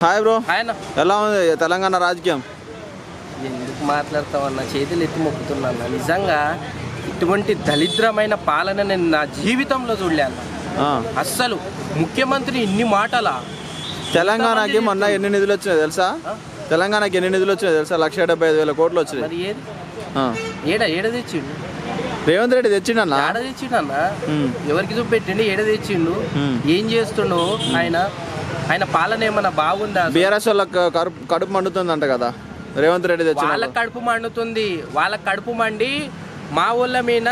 Hi bro. ఆయన ఎలా ఉంది తెలంగాణ రాజకీయం? ఎందుకు మాట్లాడతామన్నా, చేతులు ఎత్తి మొక్కుతున్నా. నిజంగా ఇటువంటి దరిద్రమైన పాలన నేను నా జీవితంలో చూడలేను. అస్సలు ముఖ్యమంత్రి ఇన్ని మాటలా? తెలంగాణకి మొన్న ఎన్ని నిధులు వచ్చినాయి తెలుసా? తెలంగాణకి ఎన్ని నిధులు వచ్చినాయి తెలుసా? 1,75,000 కోట్లు వచ్చినాయి. మరి ఏది ఏడ తెచ్చిండు? రేవంత్ రెడ్డి తెచ్చిండన్నా. ఏడ తెచ్చిండు? ఎవరికి చూపెట్టిండు? ఏడ తెచ్చిండు? ఏం చేస్తుండు ఆయన పాలన ఏమన్నా బాగుందా? బీఆర్ఎస్ వాళ్ళకి కడుపు మండుతుందంట కదా రేవంత్ రెడ్డి తెచ్చి. వాళ్ళకి కడుపు మండుతుంది. వాళ్ళకి కడుపు మండి మా ఊళ్ళ మీద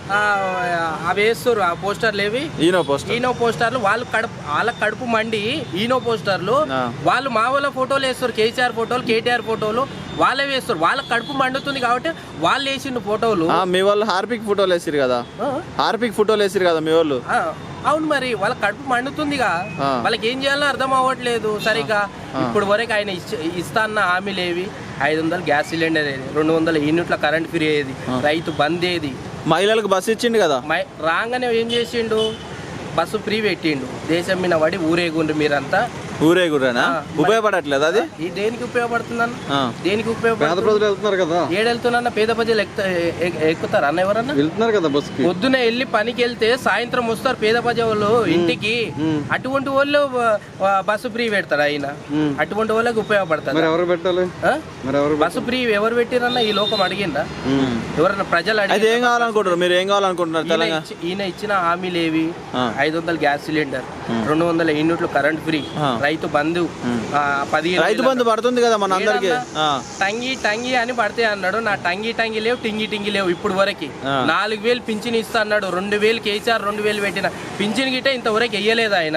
అవి వేస్తారు. ఆ పోస్టర్లు ఏవి? ఈనో పోస్టర్లు. వాళ్ళకి కడుపు మండి ఈనో పోస్టర్లు వాళ్ళు మా ఊళ్ళ ఫోటోలు వేస్తారు. కేసీఆర్ ఫోటోలు, కేటీఆర్ ఫోటోలు వాళ్ళే వేస్తారు. వాళ్ళకి కడుపు మండుతుంది కాబట్టి వాళ్ళు వేసిండు ఫోటోలు. మీ వాళ్ళు హార్పిక్ ఫోటోలు వేసారు కదా, హార్పిక్ ఫోటోలు వేసారు కదా మీ వాళ్ళు. అవును, మరి వాళ్ళ కడుపు మండుతుందిగా. వాళ్ళకి ఏం చేయాలో అర్థం అవ్వట్లేదు సరిగా. ఇప్పుడు వరకు ఆయన ఇస్తా అన్న హామీలు ఏవి? 500 గ్యాస్ సిలిండర్ ఏది, 200 యూనిట్ల కరెంట్ ఫ్రీ ఏది, రైతు బంద్ ఏది, మహిళలకు బస్సు ఇచ్చిండు కదా. రాగానే ఏం చేసిండు? బస్సు ఫ్రీ పెట్టిండు. దేశం మీద పడి ఊరేగుండ్రు మీరంతా. ఊరేగురేనా? ఉపయోగపడట్లేదు అది. దేనికి ఉపయోగపడుతుందన్న? దేనికి ఉపయోగపడుతుంది? ఏడెళ్తున్నా పేద ప్రజలు ఎక్కుతారు అన్న? ఎవరన్నా వెళ్తున్నారు కదా బస్సు. పొద్దున వెళ్ళి పనికి వెళ్తే సాయంత్రం వస్తారు పేద ప్రజలు ఇంటికి. అటువంటి వాళ్ళు బస్సు ఫ్రీ పెడతారు ఆయన. అటువంటి వాళ్ళకి ఉపయోగపడతారు. ఎవరు పెట్టాలి బస్సు ఫ్రీ? ఎవరు పెట్టిరన్నా? ఈ లోకం అడిగిందా? ఎవరన్నా ప్రజలు అడిగి ఏం కావాలనుకుంటారు? మీరు ఏం కావాలనుకుంటున్నారు? ఈయన ఇచ్చిన హామీలు ఏవి? 500 గ్యాస్ సిలిండర్, 200 యూనిట్లు కరెంట్ ఫ్రీ, రైతు బంధు 15. రైతు బంధు పడుతుంది కదా మన అందరికి. టంగి అని పడితే అన్నాడు. నా టంగి లేవు, టింగి లేవు. ఇప్పుడు వరకు 4,000 పింఛన్ ఇస్తా అన్నాడు. 2,000 కేసీఆర్ 2,000 పెట్టిన పింఛన్ గిట్ట ఇంతవరకు వెయ్యలేదు ఆయన.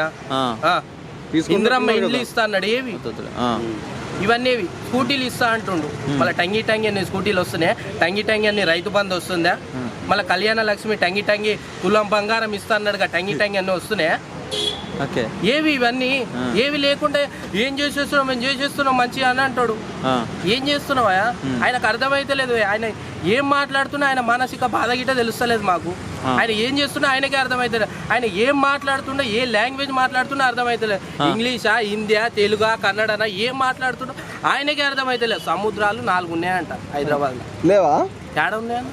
ఇందిరమ్మ ఇండ్లు ఇస్తా అన్నాడు. ఏవి ఇవన్నీ? స్కూటీలు ఇస్తా అంటుండు. మళ్ళీ టంగి అన్ని స్కూటీలు వస్తున్నాయి. టంగి అన్ని రైతు బంధు వస్తుందా? మళ్ళీ కళ్యాణ లక్ష్మి టంగి తులం బంగారం ఇస్తా అన్నాడుగా. టంగి అన్ని వస్తున్నాయా? ఏవి ఇవన్నీ? ఏవి లేకుండా ఏం చేసేస్తున్నాం, మేము చేసేస్తున్నాం మంచిగా అని అంటాడు. ఏం చేస్తున్నావా? ఆయనకు అర్థమైతే లేదు. ఆయన ఏం మాట్లాడుతున్నా ఆయన మానసిక బాధ గిట్ట తెలుస్తలేదు మాకు. ఆయన ఏం చేస్తున్నా ఆయనకే అర్థమైతలేదు. ఆయన ఏం మాట్లాడుతున్నా, ఏ లాంగ్వేజ్ మాట్లాడుతున్నా అర్థమైతలేదు. ఇంగ్లీషా, హిందీయా, తెలుగా, కన్నడనా ఏం మాట్లాడుతున్నా ఆయనకే అర్థమైతలేదు. సముద్రాలు 4 ఉన్నాయంట హైదరాబాద్లో. లేవా? ఏడ ఉన్నాయన్న?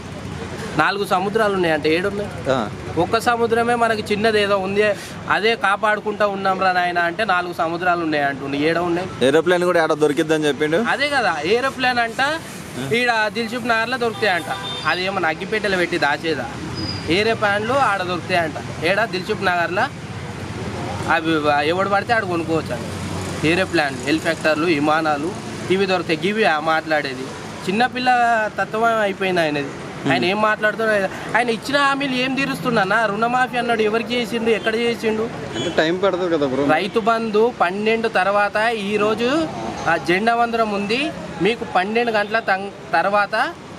4 సముద్రాలు ఉన్నాయంట. 7 ఉన్నాయి. ఒక్క సముద్రమే మనకి చిన్నది ఏదో ఉంది, అదే కాపాడుకుంటా ఉన్నాం రా నాయన అంటే 4 సముద్రాలు ఉన్నాయంటుండే. 7 ఉన్నాయి. ఏరోప్లేన్ కూడా ఆడ దొరికిద్దని చెప్పిండు. అదే కదా ఏరోప్లేన్ అంట. ఈడ దిల్సుఖ్ నగర్లో దొరుకుతాయంట. అది ఏమన్నా అగ్గిపెట్టెలు పెట్టి దాచేదా? ఏరోప్లేన్లు ఆడ దొరుకుతాయంట. ఏడా? దిల్సుఖ్ నగర్లో. అవి ఎవడు పడితే ఆడ కొనుక్కోవచ్చు అండి. ఏరోప్లేన్లు, హెలికాప్టర్లు, విమానాలు ఇవి దొరుకుతాయి. గివి మాట్లాడేది చిన్నపిల్ల తత్వం అయిపోయింది ఆయనది. ఆయన ఏం మాట్లాడుతున్నాడు? ఆయన ఇచ్చిన హామీలు ఏం తీరుస్తున్నా? రుణమాఫీ అన్నాడు. ఎవరికి చేసిండు? ఎక్కడ చేసిండు? టైం పడుతుంది కదా బ్రో. రైతు బంధు 12 తర్వాత ఈరోజు జెండా వందరం ఉంది. మీకు 12 గంటల తర్వాత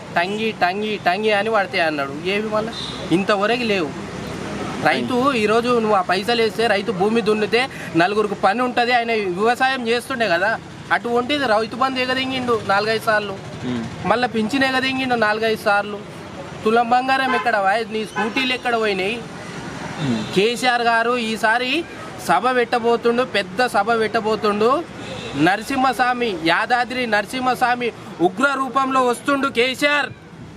టంగి అని పడతాయి అన్నాడు. ఏవి మళ్ళీ ఇంతవరకు లేవు. రైతు ఈరోజు నువ్వు ఆ పైసలు వేస్తే రైతు భూమి దున్నితే 4గురికి పని ఉంటుంది. ఆయన వ్యవసాయం చేస్తుండే కదా. అటువంటిది రైతు బంధు ఎగదింగిండు 4-5 సార్లు. మళ్ళీ పింఛన్ ఎగదింగిండు 4-5 సార్లు. తులం బంగారం ఎక్కడ? నీ స్కూటీలు ఎక్కడ పోయినాయి? కేసీఆర్ గారు ఈసారి సభ పెట్టబోతుండు, పెద్ద సభ పెట్టబోతుండు. నరసింహస్వామి, యాదాద్రి నరసింహస్వామి ఉగ్ర రూపంలో వస్తుండు కేసీఆర్.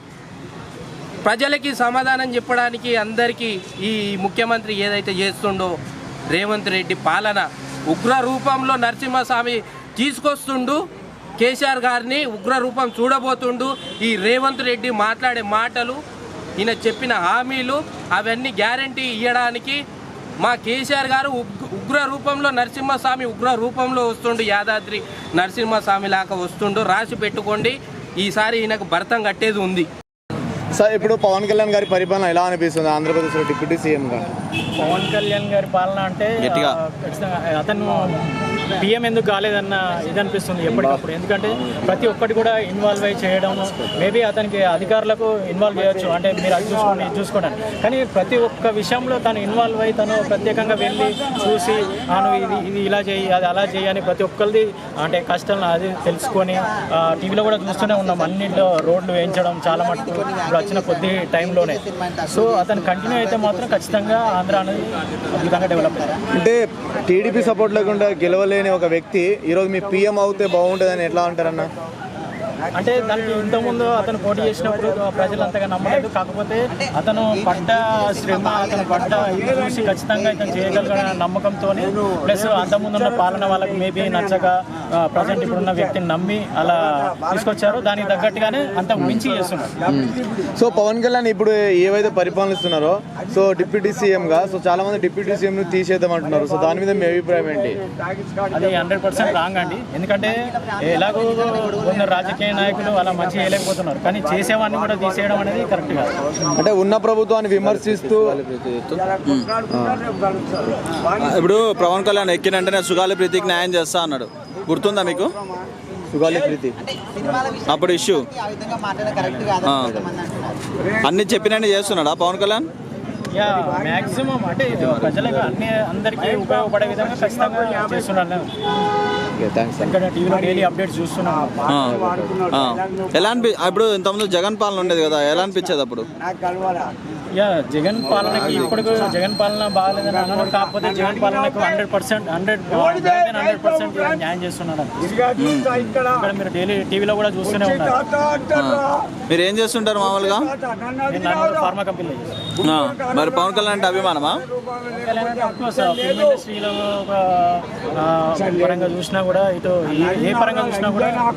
ప్రజలకి సమాధానం చెప్పడానికి అందరికీ ఈ ముఖ్యమంత్రి ఏదైతే చేస్తుండో రేవంత్ రెడ్డి పాలన ఉగ్ర రూపంలో నరసింహస్వామి తీసుకొస్తుండు. కేసీఆర్ గారిని ఉగ్ర రూపం చూడబోతుండు. ఈ రేవంత్ రెడ్డి మాట్లాడే మాటలు, ఈయన చెప్పిన హామీలు అవన్నీ గ్యారంటీ ఇవ్వడానికి మా కేసీఆర్ గారు ఉగ్ర రూపంలో నరసింహస్వామి ఉగ్ర రూపంలో వస్తుండు. యాదాద్రి నరసింహస్వామి లాగా వస్తుండు. రాసి పెట్టుకోండి. ఈసారి ఈయనకు భర్తం కట్టేది ఉంది. సార్, ఇప్పుడు పవన్ కళ్యాణ్ గారి పరిపాలన ఎలా అనిపిస్తుంది ఆంధ్రప్రదేశ్లో డిప్యూటీ సీఎంగా? పవన్ కళ్యాణ్ గారి పాలన అంటే అతను పిఎం ఎందుకు కాలేదన్న ఇది అనిపిస్తుంది ఎప్పటికప్పుడు. ఎందుకంటే ప్రతి ఒక్కటి కూడా ఇన్వాల్వ్ అయ్యి చేయడం, మేబీ అతనికి అధికారులకు ఇన్వాల్వ్ చేయొచ్చు, అంటే మీరు అది చూసుకోండి ఇది చూసుకోండి, కానీ ప్రతి ఒక్క విషయంలో తను ఇన్వాల్వ్ అయ్యి తను ప్రత్యేకంగా వెళ్ళి చూసి ఇది ఇలా చేయి, అది అలా చేయి అని ప్రతి ఒక్కరిది అంటే కష్టం అది తెలుసుకొని టీవీలో కూడా చూస్తూనే ఉన్నాం. అన్నింటిలో రోడ్లు వేయించడం చాలా మటుకు ఇప్పుడు వచ్చిన కొద్ది టైంలోనే. సో అతను కంటిన్యూ అయితే మాత్రం ఖచ్చితంగా ఆంధ్ర అనేది అద్భుతంగా డెవలప్ అయ్యారు. అంటే టీడీపీ సపోర్ట్ లేకుండా గెలవలే లేని ఒక వ్యక్తి ఈరోజు మీ పిఎం అవుతే బాగుంటుందని ఎట్లా అంటారన్న? అంటే దానికి ఇంతకుముందు అతను పోటీ చేసినప్పుడు ప్రజలు అంతగా నమ్మలేదు. కాకపోతే అతను పడ్డ శ్రమ, అతను పడ్డ ఇది చూసి ఖచ్చితంగా ఇతను చేయగలిగిన నమ్మకంతో, ప్లస్ అంతకుముందున్న పాలన వాళ్ళకి మేబీ నచ్చక ప్రజెంట్ ఇప్పుడున్న వ్యక్తిని నమ్మి అలా తీసుకొచ్చారు. దానికి తగ్గట్టుగానే అంత మించి చేస్తున్నారు. సో పవన్ కళ్యాణ్ ఇప్పుడు ఏవైతే పరిపాలిస్తున్నారో, సో డిప్యూటీ సీఎంగా, సో చాలా మంది డిప్యూటీ సీఎంను తీసేద్దాం అంటున్నారు. సో దాని మీద మీ అభిప్రాయం ఏంటి? అది 100% రాంగ్ అండి. ఎందుకంటే ఎలాగో కొందరు రాజకీయ నాయకులు అలా మంచి చేయలేకపోతున్నారు, కానీ చేసేవాడిని కూడా తీసేయడం అనేది కరెక్ట్ కాదు. అంటే ఉన్న ప్రభుత్వాన్ని విమర్శిస్తూ ఇప్పుడు పవన్ కళ్యాణ్ ఎక్కినంటేనే సుగాలి ప్రీతికి న్యాయం చేస్తా అన్నాడు. గుర్తుందా మీకు సుగాలి ప్రీతి అప్పుడు ఇష్యూ? అన్ని చెప్పినట్టు చేస్తున్నాడా పవన్ కళ్యాణ్? యా, మ్యాక్సిమం అంటే ప్రజలకు అందరికీ ఉపయోగపడే విధంగా ఖచ్చితంగా చేస్తున్నాను. ఇక్కడ టీవీలో డైలీ అప్డేట్స్ చూస్తున్నాను. ఎలా ఇప్పుడు ఇంతకుముందు జగన్ పాలన ఉండేది కదా, ఎలా అనిపించేది అప్పుడు? యా, జగన్ పాలనకి ఇప్పుడు జగన్ పాలన బాగాలేదని అన్నాను. కాకపోతే జగన్ పాలనకు 100% న్యాయం చేస్తున్నాను. ఇక్కడ మీరు డైలీ టీవీలో కూడా చూస్తూనే ఉన్నారు. మీరు ఏం చేస్తుంటారు మామూలుగా? నేను ఫార్మా కంపెనీలో చేస్తాను. మరి పవన్ కళ్యాణ్ అంటే అభిమానమా? ఫిల్మ్ ఇండస్ట్రీలో ఒక పరంగా చూసినా కూడా, ఇటు ఏ పరంగా చూసినా కూడా